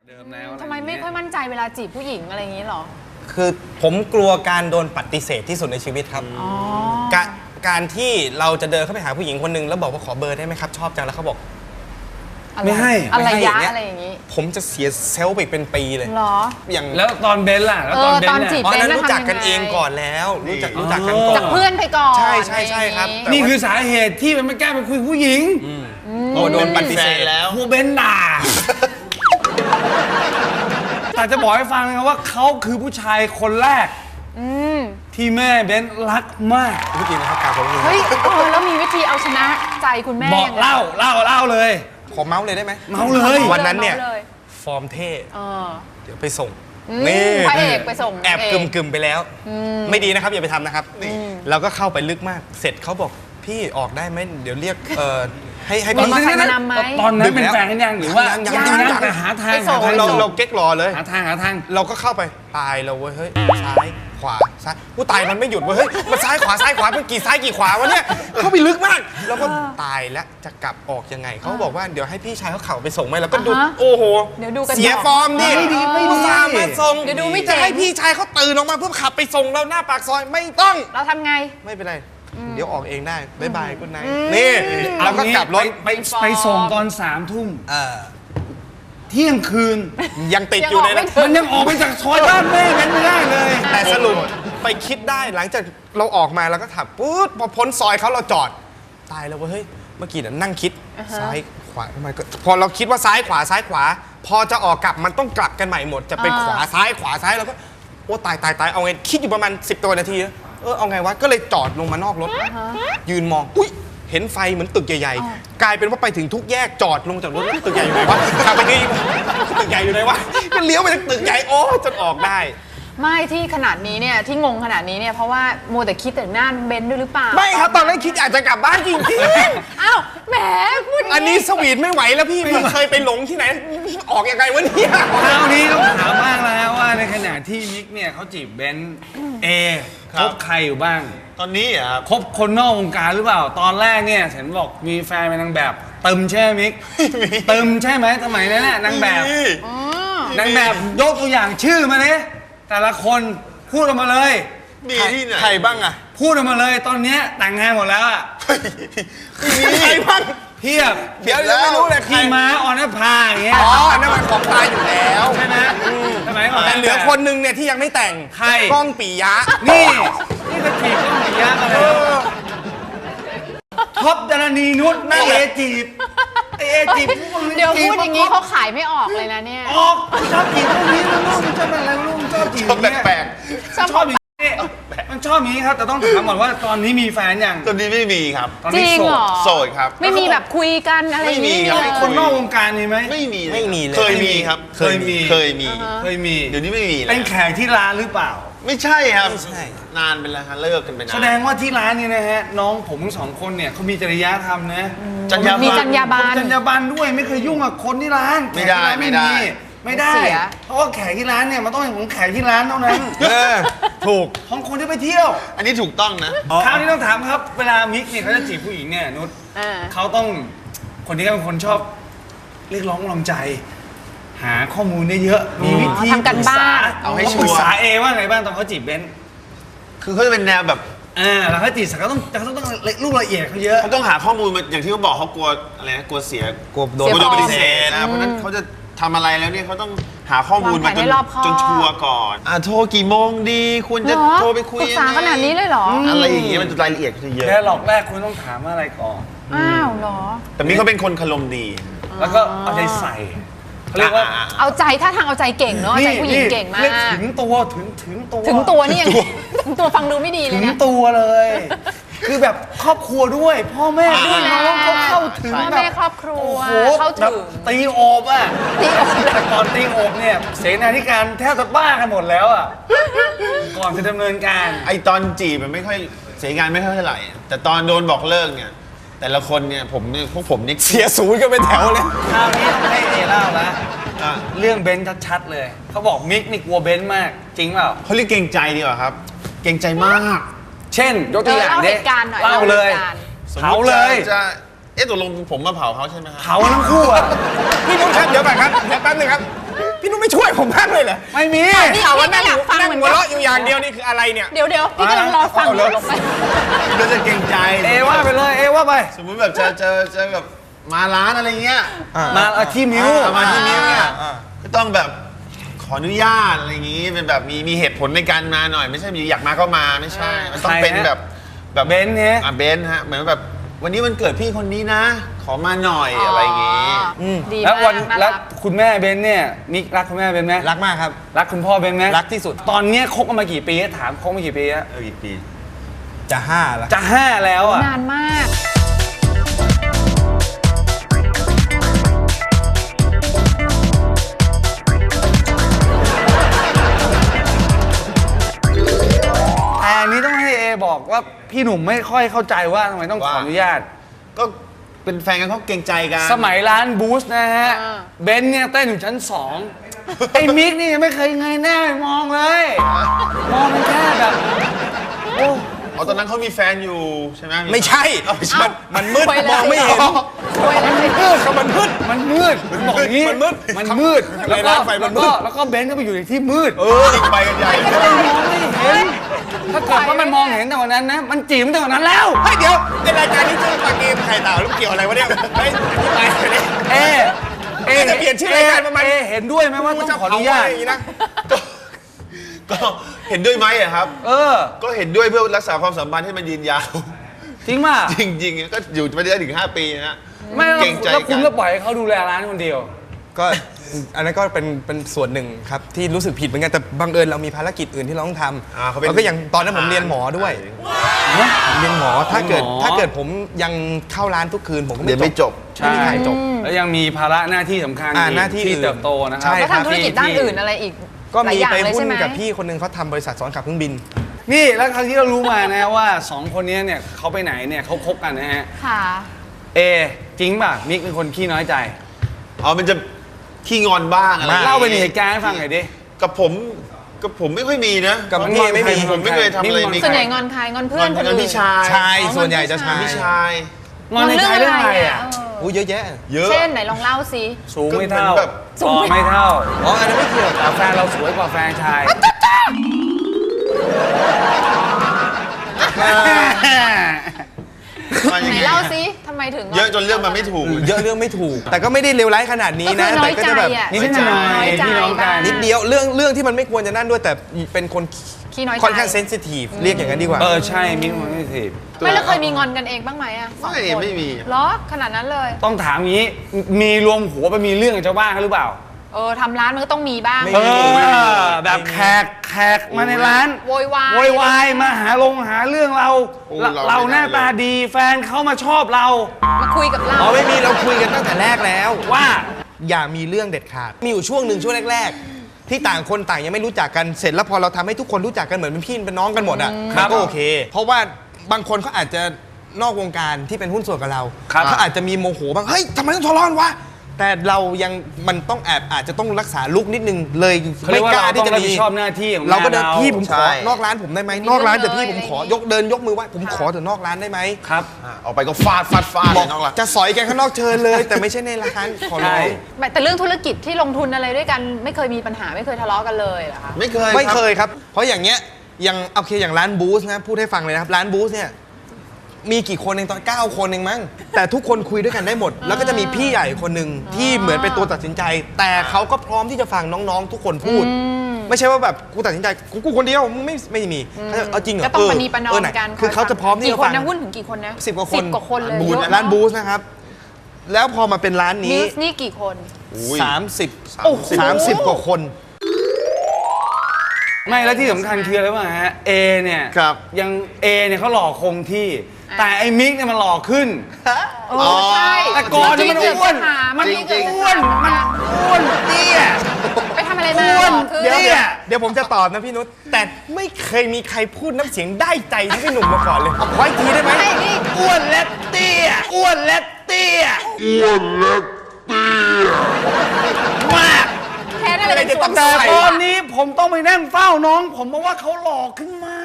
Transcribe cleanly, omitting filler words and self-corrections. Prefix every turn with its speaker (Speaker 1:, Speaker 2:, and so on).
Speaker 1: เดิมแล้ว
Speaker 2: ทำไมไม่ค่อยมั่นใจเวลาจีบผู้หญิงอะไรอย่างนี้หรอ
Speaker 3: คือผมกลัวการโดนปฏิเสธที่สุดในชีวิตครับการที่เราจะเดินเข้าไปหาผู้หญิงคนหนึ่งแล้วบอกว่าขอเบอร์ได้ไหมครับชอบจังแล้วเขาบอกไม่ให้
Speaker 2: อะไรยะอะไรอย่างนี้
Speaker 3: ผมจะเสียเซลล์ไปเป็นปีเลย
Speaker 2: หรอ
Speaker 3: อย่าง
Speaker 1: แล้วตอนเบนล่ะแล้วตอน
Speaker 2: จีบเบน
Speaker 3: รู้จักกันเองก่อนแล้วรู้จักกันก่อน
Speaker 2: จากเพื่อนไปก่อน
Speaker 3: ใช่ครับ
Speaker 1: นี่คือสาเหตุที่มันไม่กล้าไปคุยผู้หญิง
Speaker 3: โดนปฏิเสธแล้ว
Speaker 1: ครูเบนด่าแต่จะบอกให้ฟังนะครับว่าเขาคือผู้ชายคนแรกที่แม่เบนรักมาก
Speaker 3: วิธีนะครับการของคุณ
Speaker 2: เฮ้ยแล้วมีวิธีเอาชนะใจคุณแม่
Speaker 1: บอกเล่าเลย
Speaker 3: ขอเมาส์เลยได้ไหม
Speaker 1: เมาส์เลย
Speaker 3: วันนั้นเนี่ยฟอร์มเท่เดี๋ยวไปส่ง
Speaker 2: นี่พระเอกไปส่ง
Speaker 3: แอบกึมไปแล้วไม่ดีนะครับอย่าไปทำนะครับเราก็เข้าไปลึกมากเสร็จเขาบอกพี่ออกได้ไหมเดี๋ยวเรียกให้พี่
Speaker 2: มาใครมานำไหม
Speaker 1: ตอนนั้นเป็นแฟนกันยังหรือว่ายังแต่หาทาง
Speaker 3: เราเก๊กรอเลย
Speaker 1: หาทาง
Speaker 3: เราก็เข้าไปตายเราเว้ยเฮ้ยซ้ายขวาซ้ายผู้ตายมันไม่หยุดเว้ยเฮ้ยมันซ้ายขวาเป็นกี่ซ้ายกี่ขวาวะเนี่ยเข้าไปลึกมากแล้วก็ตายแล้วจะกลับออกยังไงเขาบอกว่าเดี๋ยวให้พี่ชายเขาเข่าไปส่งไหมแล้วก็ดูโอ้โหเสียฟอร์มดิ
Speaker 1: ไม่ดี
Speaker 3: มาส่งเดี๋ยวดูไม่จะให้พี่ชายเขาตื่นออกมาเพื่อขับไปส่งเราหน้าปากซอยไม่ต้อง
Speaker 2: เราทำไง
Speaker 3: ไม่เป็นไรเดี๋ยวออกเองได้บ๊ายบายกุ๊ดไนท์นี่เราก็กลับรถ
Speaker 1: ไปส่งตอน3 ทุ่มเที่ยงคืน
Speaker 3: ยังติดอยู่ในนั้น
Speaker 1: มันยังออกไปจากซอยบ้านแม่กันไม่ได้เลย
Speaker 3: แต่สรุปไปคิดได้หลังจากเราออกมาแล้วก็ถับปุ๊บพอพ้นซอยเขาเราจอดตายแล้วเฮ้ยเมื่อกี้นั่งคิดซ้ายขวาทำไมก็พอเราคิดว่าซ้ายขวาพอจะออกกลับมันต้องกลับกันใหม่หมดจะเป็นขวาซ้ายแล้วก็โอ้ตายเอาไงคิดอยู่ประมาณ10 ตัวนาทีเอาไงวะก็เลยจอดลงมานอกรถยืนมองอุ้ยเห็นไฟเหมือนตึกใหญ่ๆกลายเป็นว่าไปถึงทุกแยกจอดลงจากรถตึกใหญ่อยู่ไหนวะขับไปนี่ตึกใหญ่อยู่ไหนวะก็เลี้ยวไปตึกใหญ่โอ้จนออกได้
Speaker 2: ไม่ที่ขนาดนี้เนี่ยที่งงขนาดนี้เนี่ยเพราะว่ามัวแต่คิดแต่หน้าเบนด้วยหรือเปล่า
Speaker 3: ไม่ครับตอนนั้นคิดอยากจะกลับบ้านจริง
Speaker 2: ๆอ้าวแหมพูด
Speaker 3: อันนี้สวีทไม่ไหวแล้วพี่เคยไปหลงที่ไหนออกยังไงวะเนี่ย
Speaker 1: คราวนี้ต้องถามบ้างแล้วว่าในขณะที่มิกเนี่ยเขาจีบเบนคบใครอยู่บ้าง
Speaker 3: ตอนนี้อ่ะ
Speaker 1: คบคนนอกวงการหรือเปล่าตอนแรกเนี่ยเห็นบอกมีแฟนเป็นนางแบบเติมใช่ไหมมิกเติมใช่ไหมสมัยนั้นน่ะนางแบบยกตัวอย่างชื่อมาเลยแต่ละคนพูดออกมาเลย
Speaker 3: มีที่ไหนใครบ้างอ่ะ
Speaker 1: พูดออกมาเลยตอนนี้แต่งงานหมดแล้วอ่ะ
Speaker 3: ใครบ้าง
Speaker 1: เพียบ
Speaker 3: เดี๋ยวไม่รู้เลย
Speaker 1: พี่ม้าออนภาอย่างเงี้ย
Speaker 3: อันนั้นมันของตายอยู่แล้ว
Speaker 1: ใช่ไหม
Speaker 3: แต่เหลือคนนึงเนี่ยที่ยังไม่แต่ง
Speaker 1: ใคร
Speaker 3: ก้องปิยะ
Speaker 1: นี่ก็จีบก้องปิยะมาเลยท็อปดารณีนุชนั่งจีบจีบ
Speaker 2: เดี๋ยวพูดอย่างนี้เขาขายไม่ออกเลยนะเนี่ย
Speaker 1: ออกชอบจีบพวกนี้มันชอบอะไรชอบจีบ
Speaker 3: แปลก
Speaker 1: ชอบมันชอบนี้ครับแต่ต้องถามก่อนว่าตอนนี้มีแฟนยัง
Speaker 3: ตอนนี้ไม่มีครับ
Speaker 2: จริงเหรอ
Speaker 3: โสดครับ
Speaker 2: ไม่มีแบบคุยกันอะไรอย่างนี้
Speaker 1: คนนอกวงการมีไหม
Speaker 3: ไม่มีเลยเคยมีครับเคยมีเดี๋ยวนี้ไม่มี
Speaker 1: เป็นแขกที่ร้านหรือเปล่า
Speaker 3: ไม่ใช่ครับไม่ใช่นานเป็นแล้วครับเลิกกันไปนาน
Speaker 1: แสดงว่าที่ร้านนี้นะฮะน้องผมทั้ง2 คนเนี่ยเขามีจริยธรรมนะ
Speaker 2: มีจรรยาบรรณ
Speaker 1: ด้วยไม่เคยยุ่งกับคนที่ร้าน
Speaker 3: ไม่ได้
Speaker 1: เพราะว่าแขกที่ร้านเนี่ยมันต้องเป็นของแขกที่ร้านเท่านั้น
Speaker 3: ถูก
Speaker 1: ของคนที่ไปเที่ยว
Speaker 3: อันนี้ถูกต้องนะ
Speaker 1: คราวนี้ต้องถามครับเวลามิกเนี่ยเขาจะจีบผู้หญิงเนี่ยนุชเขาต้องคนนี้เป็นคนชอบเรียกร้องกำลังใจหาข้อมูลได้เยอะมีวิธี
Speaker 2: ทำกันบ้าน
Speaker 1: เอาให้ชัวร์ปรึกษาว่าไงบ้างตอนเขาจีบเบน
Speaker 3: คือเขาจะเป็นแนวแบบ
Speaker 1: แล้วเขาจีบเขาต้องลูกละเอียดเขาเยอะ
Speaker 3: เขาต้องหาข้อมูลมาอย่างที่เขาบอกเขากลัวอะไรนะกลัวเสียกลัวโดนปฏิเสธนะเพราะนั้นเขาจะทำอะไรแล้วเนี่ยเขาต้องหาข้อมูลมาจนชัวร์ก่อนโทรกี่โมงดีควรจะโทรไปคุยยังไง
Speaker 2: ปรึกษาขนาดนี้เลยเหรอ
Speaker 3: อะไรอย่างเงี้ยมันรายละเอียดจะเยอะ
Speaker 1: แค่หลอกแรกคุณต้องถามอะไรก่อน
Speaker 2: อ้าวเหรอ
Speaker 3: แต่นี่เขาเป็นคนคารมดี
Speaker 1: แล้วก็เอาใจใส่เรียกว่า
Speaker 2: เอาใจถ้าทางเอาใจเก่งเนาะใจผู้หญิงเก่งมาก
Speaker 1: ถึงตัว
Speaker 2: นี่ยังถึงตัวฟังดูไม่ดีเลยนะ
Speaker 1: ถึงตัวเลยคือแบบครอบครัวด้วยพ่อแม่ด้วยน้องเขาเข้าถึง
Speaker 2: พ่อแม่ครอบครัวเข้าถึง
Speaker 1: ตีโอบอ่ะแต่ก่อนตีโอบเนี่ยเสนาธิการแทบจะบ้ากันหมดแล้วอ่ะก่อนจะดำเนินการ
Speaker 3: ไอตอนจีบมันไม่ค่อยเสียงานไม่ค่อยเท่าไหร่แต่ตอนโดนบอกเลิกเนี่ยแต่ละคนเนี่ยพวกผมนี่เสียศูนย์ก็เป็นแถวเลย
Speaker 1: คราวนี้ต้องให้เล่าละเรื่องเบนซ์ชัดๆเลยเขาบอกมิกนี่กลัวเบนซ์มากจริงเปล่า
Speaker 3: เขาเรียกเกรงใจดีกว่าครับเกรงใจมาก
Speaker 1: เช่นยกตัวอย่าง
Speaker 2: เล่า
Speaker 1: เลยเผาเลย
Speaker 3: จะตกลงผมมาเผาเขาใช่ไหมครับ
Speaker 1: เผาทั้งคู่อ่ะ
Speaker 3: พี่นุ๊กครับเดี๋ยวก่อนครับแป๊บนึงครับพี่นุ้ยไม่ช่วยผมบ้างเลยเหรอ
Speaker 1: ไม่มี
Speaker 2: นี่เอาว่าไม่อยากฟัง
Speaker 3: นั่ง
Speaker 2: เหมือน
Speaker 3: หัว
Speaker 2: กัน
Speaker 3: เราะอยู่อย่างเดียวนี่คืออะไรเนี่ย
Speaker 2: เดี๋ยวพี่กำลังรอฟังอยู่ลงไป
Speaker 4: ก็จะเกรงใจ
Speaker 1: เอว่าไปเลยเอว่าไป
Speaker 4: สมมุติแบบจะแบบมาร้านอะไรเงี้ย
Speaker 1: มาที่มิ้ว
Speaker 4: มาที่มิ้วเนี่ยก็ต้องแบบขออนุญาตอะไรอย่างงี้เป็นแบบมีเหตุผลในการมาหน่อยไม่ใช่มีอยากมาก็มาไม่ใช่มันต้องเป็นแบบ
Speaker 1: เบนซ์เนี่ย
Speaker 4: เบนซ์ฮะเหมือนแบบวันนี้วันเกิดพี่คนนี้นะ ขอมาหน่อยอะไรอย่างงี้
Speaker 2: ดี
Speaker 1: แล้ว
Speaker 2: มา
Speaker 1: วั
Speaker 2: ก
Speaker 1: น
Speaker 2: น่า
Speaker 1: แล้ว
Speaker 2: รัก
Speaker 1: คุณแม่เบนซ์เนี่ยมิกรักคุณแม่เบนซ์ไหม
Speaker 3: รักมากครับ
Speaker 1: รักคุณพ่อเบนซ์ไหม
Speaker 3: รักที่สุด
Speaker 1: ตอนเนี้ยคบกันมากี่ปีถามคบมากี่ปีอะ
Speaker 4: อีกปี
Speaker 3: จะ5แล้ว
Speaker 1: จะ5แล้วอะ
Speaker 2: นานมาก
Speaker 1: แต่อันนี้ต้องให้เอบอกว่าพี่หนุ่มไม่ค่อยเข้าใจว่าทำไมต้องขออนุญาต
Speaker 4: ก็เป็นแฟนกันเขาเกรงใจกัน
Speaker 1: สมัยร้านบูสนะฮะ
Speaker 2: อ่า
Speaker 1: เบนซ์เนี่ยเต้นอยู่ชั้น 2 ไอ้มิกนี่ยังไม่เคยเงยหน้ามองเลย มองมันแค่แบบโอ้
Speaker 4: อ๋อตอนนั้นเขามีแฟนอยู่ใช่ไหม
Speaker 3: ไม่ใช่ มันมืด
Speaker 2: ไปเลย
Speaker 3: มองไม่เห็น
Speaker 2: ไปเลย
Speaker 1: มันมืดมันมืดมันมืดมันบอกอย่างนี้
Speaker 3: มันมืด
Speaker 1: มันมืด
Speaker 3: ในร้านไฟมันมืด
Speaker 1: แล้วก็เบนซ์ก็ไปอยู่ในที่มืด
Speaker 4: อีกไปกันใหญ่
Speaker 1: ก็เลยมองไม่เห็นถ้าเกิดว่ามันมองเห็นแต่วันนั้นนะ มันจีบตั้งแต่วันนั้นแล้ว
Speaker 3: เฮ้ยเดี๋ยวในรายการนี้ชื่อปาเกมไข่เต่าแล้วเกี่ยวอะไรวะเนี่ยเฮ้ยอธิบายหน่อยดิ
Speaker 1: เอ
Speaker 3: จะเปลี่ยนชื่อรายการประมาณ
Speaker 1: เอเห็นด้วยไหมว่าต้องขออนุญาต
Speaker 3: จะเผะไรอย่างนี้นะ
Speaker 4: ก็เห็นด้วยไหมอะครับ
Speaker 1: เออ
Speaker 4: ก็เห็นด้วยเพื่อรักษาความสัมพันธ์ให้มันยืนยาว
Speaker 1: จริงป่ะ
Speaker 4: จริงๆ ก็อยู่ไม่ได้ถึง 5 ปีนะฮะ
Speaker 1: ไม่แล้ว
Speaker 4: เกรงใจ
Speaker 1: แล้วคุณ
Speaker 4: กัน
Speaker 1: ก็ปล่อยให้เขาดูแลร้านคนเดียว
Speaker 3: ก็อันนั้นก็เป็นส่วนหนึ่งครับที่รู้สึกผิดเหมือนกันแต่บังเอิญเรามีภารกิจอื่นที่เราต้องท
Speaker 4: อ่าเขาเป็
Speaker 3: ำ
Speaker 4: น
Speaker 3: แล้วก็อย่างตอนนั้นผมเรียนหมอด้วยผมเรียนหมอถ้าเกิด
Speaker 1: หมอ
Speaker 3: ถ้าเกิดผมยังเข้าร้านทุกคืนผมก็
Speaker 4: เรียนไม่จบ
Speaker 3: ไม่มีใครจบ
Speaker 1: แล้วยังมีภาระหน้าที่สำคัญ
Speaker 3: อ่า
Speaker 1: อีก
Speaker 3: หน้าที่
Speaker 1: ที่
Speaker 3: อื่น
Speaker 1: เติบโตนะครั
Speaker 3: ใช่
Speaker 2: แล้วทำธุรกิจด้านอื่นอะไรอีก
Speaker 3: ก็
Speaker 2: หลาย
Speaker 3: มี
Speaker 2: อย่าง
Speaker 3: ไป
Speaker 2: เลย
Speaker 3: หุ้
Speaker 2: ใช่
Speaker 3: น
Speaker 2: ไหม
Speaker 3: กับพี่คนหนึงเขาทำบริษัทสอนขับเครื่องบิน
Speaker 1: นี่แล้วครั้งที่เรารู้มานะว่าสองคนนี้เนี่ยเขาไปไหนเนี่ยเขาคบกันนะฮะ
Speaker 2: ค่ะ
Speaker 1: เอจริงป่ะมิกเป็นคนขี้น้อยใจ
Speaker 4: อ๋อมันจะขี้งอนบ้างอะไร
Speaker 3: มาก
Speaker 1: เล่าเป็นเหตุการณ์ให้ฟังหน่อยดิ
Speaker 4: กับผมไม่ค่อยมีนะ
Speaker 3: กับพี่ไม่มี
Speaker 4: ผมไม่เคยทำอะไรมี
Speaker 2: ส่วนใหญ่งอนใครงอนเพื่อนคนอื่น
Speaker 4: พี่ชาย
Speaker 3: ชายส่วนใหญ่จะชาย
Speaker 4: พี่ชาย
Speaker 1: งอนในใจเรื่องอะไรอ่ะ
Speaker 3: อู้เยอะแยะ
Speaker 4: เยอะ
Speaker 2: เช่นไหนลองเล่าสิ
Speaker 1: สูงไม่เท่า
Speaker 4: ก็เหมือนแบบ
Speaker 1: ต่อไม่เท่า
Speaker 3: อ๋ออันนั้นไม่เกี่ยว
Speaker 1: แต่แฟนเราสวยกว่าแฟนชาย
Speaker 4: มายัง
Speaker 2: ไหน
Speaker 4: ไง
Speaker 2: เล่าสิทำไมถึง
Speaker 4: เยอะจนเรื่องมันไม่ถูก
Speaker 3: เยอะเรื่องไม่ถูก แต่ก็ไม่ได้เลวร้ายขนาดนี้
Speaker 2: ก็คื
Speaker 3: นะ
Speaker 2: อน้อย
Speaker 3: แต่ก็
Speaker 2: ใจ
Speaker 3: จะแบบ
Speaker 2: อ่ะ
Speaker 1: นิดหน่อย
Speaker 2: น้อยใจ
Speaker 1: พี่น้องกัน
Speaker 2: บ้าง
Speaker 3: นิดเดียวเรื่องที่มันไม่ควรจะนั่นด้วยแต่เป็นคน
Speaker 2: ขี้น้อยใจ
Speaker 3: ค่อนข้างเซนซิทีฟเรียกอย่างนั้นดีกว่า
Speaker 1: เออใช่มิกมันไม่สิ
Speaker 2: ไม่แล้วเคยมีงอนกันเองบ้างไหมอะสอง
Speaker 4: ไม่
Speaker 2: คน
Speaker 4: ไม่มี
Speaker 2: เหรอขนาดนั้นเลย
Speaker 1: ต้องถามอย่างนี้ มีรวมหัวไปมีเรื่องกับชาวบ้านเขาหรือเปล่า
Speaker 2: ทำร้านมันก็ต้องมีบ้าง
Speaker 3: ไม่
Speaker 1: เอ
Speaker 3: มี
Speaker 1: อแบบแขกมาในร้าน
Speaker 2: โวยวาย
Speaker 1: โวยวายมาหาเรื่องเรา
Speaker 4: โอ้
Speaker 1: เรา
Speaker 4: เราไม่ได้
Speaker 1: หน้าตาดีแฟนเขามาชอบเรา
Speaker 2: มาคุยกับเรา
Speaker 3: อ๋อไม่มีเราคุยกันตั้งแต่แรกแล้ว
Speaker 1: ว่า
Speaker 3: อย่ามีเรื่องเด็ดขาด มีอยู่ช่วงหนึ่งช่วงแรก ๆ ที่ต่างคนต่างยังไม่รู้จักกันเสร็จแล้วพอเราทำให้ทุกคนรู้จักกันเหมือนเป็นพี่เป็นน้องกันหมดอ่ะมันก็โอเค เพราะว่าบางคนเขาอาจจะนอกวงการที่เป็นหุ้นส่วนกับเรา
Speaker 1: ครับ
Speaker 3: เขาอาจจะมีโมโหบ้างเฮ้ยทำไมต้องทะเลาะกันวะแต่เรายังมันต้องอาจจะต้องรักษาลุกนิดนึงเลย
Speaker 1: เขาเรี
Speaker 3: ไม่
Speaker 1: ยกว่าก
Speaker 3: ล้า
Speaker 1: เราต้
Speaker 3: ที่
Speaker 1: อง
Speaker 3: จะ
Speaker 1: รับ
Speaker 3: มี
Speaker 1: ผิดชอบหน้าที่ของ
Speaker 3: เราก็เดิน
Speaker 1: งาน
Speaker 3: พี่ผมขอ
Speaker 4: ใช่
Speaker 3: นอกร้านผมได้ไหมนอกร้านแต่พี่ผมขอยกมือไหว้ผมขอถึงนอกร้านได้ไหม
Speaker 1: ครับ
Speaker 4: ออกไปก็ฟาดเล
Speaker 3: บอย ก
Speaker 4: น้องละ
Speaker 3: จะสอยกันข้างนอกเชิญเลย แต่ไม่ใช่ในร้านขอร้
Speaker 1: ใช่
Speaker 3: อง
Speaker 2: แต่เรื่องธุรกิจที่ลงทุนอะไรด้วยกันไม่เคยมีปัญหาไม่เคยทะเลาะกันเลยเหรอคะ
Speaker 4: ไม่เคย
Speaker 3: ไม่เค
Speaker 4: รับ
Speaker 3: ยครับ เพราะอย่างเงี้ยอย่างโอเคอย่างร้านบูสนะพูดให้ฟังเลยนะครับร้านบูสเนี่ยมีกี่คนเองตอน9 คนเองมั้งแต่ทุกคนคุยด้วยกันได้หมด แล้วก็จะมีพี่ใหญ่คนหนึ่งที่เหมือนเป็นตัวตัดสินใจ แต่เขาก็พร้อมที่จะฟังน้องๆ ทุกคนพูด ไม่ใช่ว่าแบบกูตัดสินใจกูคนเดียวมึงไม่มีเขาจะเอาจริงเหรอ
Speaker 2: ก็ต้องปณีประนอม
Speaker 3: ไห
Speaker 2: กัน
Speaker 3: คือเขาจะพร้อมที่
Speaker 2: กี่
Speaker 3: จะ
Speaker 2: คน
Speaker 3: ฟัง
Speaker 2: นะหุ้นถึงกี่คนนะ
Speaker 3: 10 กว่าคน
Speaker 2: 10 กว่าคนเลย
Speaker 3: บูธ
Speaker 2: เยอะ
Speaker 3: ร้าน
Speaker 2: มก
Speaker 3: บูสนะครับ แล้วพอมาเป็นร้าน
Speaker 2: มิ
Speaker 3: นี้
Speaker 2: สนี่กี่คน
Speaker 4: อุ้ย
Speaker 3: 30
Speaker 2: โอ้โห
Speaker 3: 30 กว่าคน
Speaker 1: ไม่แล้วที่สำคัญคืออะไรวะฮะเอเนี่ย
Speaker 4: ครับ
Speaker 1: ยังเอเนี่ยเขาหล่อคงที่ แต่ไอ้มิกเนี่ยมันหล่อขึ้น
Speaker 2: ใช่
Speaker 1: แต่ก่อนเนี่ยมันอ้วน
Speaker 2: มัน
Speaker 4: จริงๆ
Speaker 1: อ้วนเตี้ย
Speaker 2: ไปทำอะไรมา
Speaker 1: อ้วน
Speaker 2: คือ
Speaker 3: เดี๋ยว
Speaker 1: เนี่ย
Speaker 3: เดี๋ยวผมจะตอบนะพี่นุชแต่ไม่เคยมีใครพูดน้ำเสียงได้ใจที่พี่หนุ่มมาก่อนเลยขออีกทีได้ไหม
Speaker 2: ไม่นี่
Speaker 1: อ้วนและเตี้ยอ้วนและเตี้ยมาก
Speaker 2: แค่นั้นเลยเป็นส่วน
Speaker 1: แต่
Speaker 2: ใส่
Speaker 1: ตอนนี้ผมต้องไปนั่งเฝ้าน้อง ผมเพราะว่าเขาหล่อขึ้นมา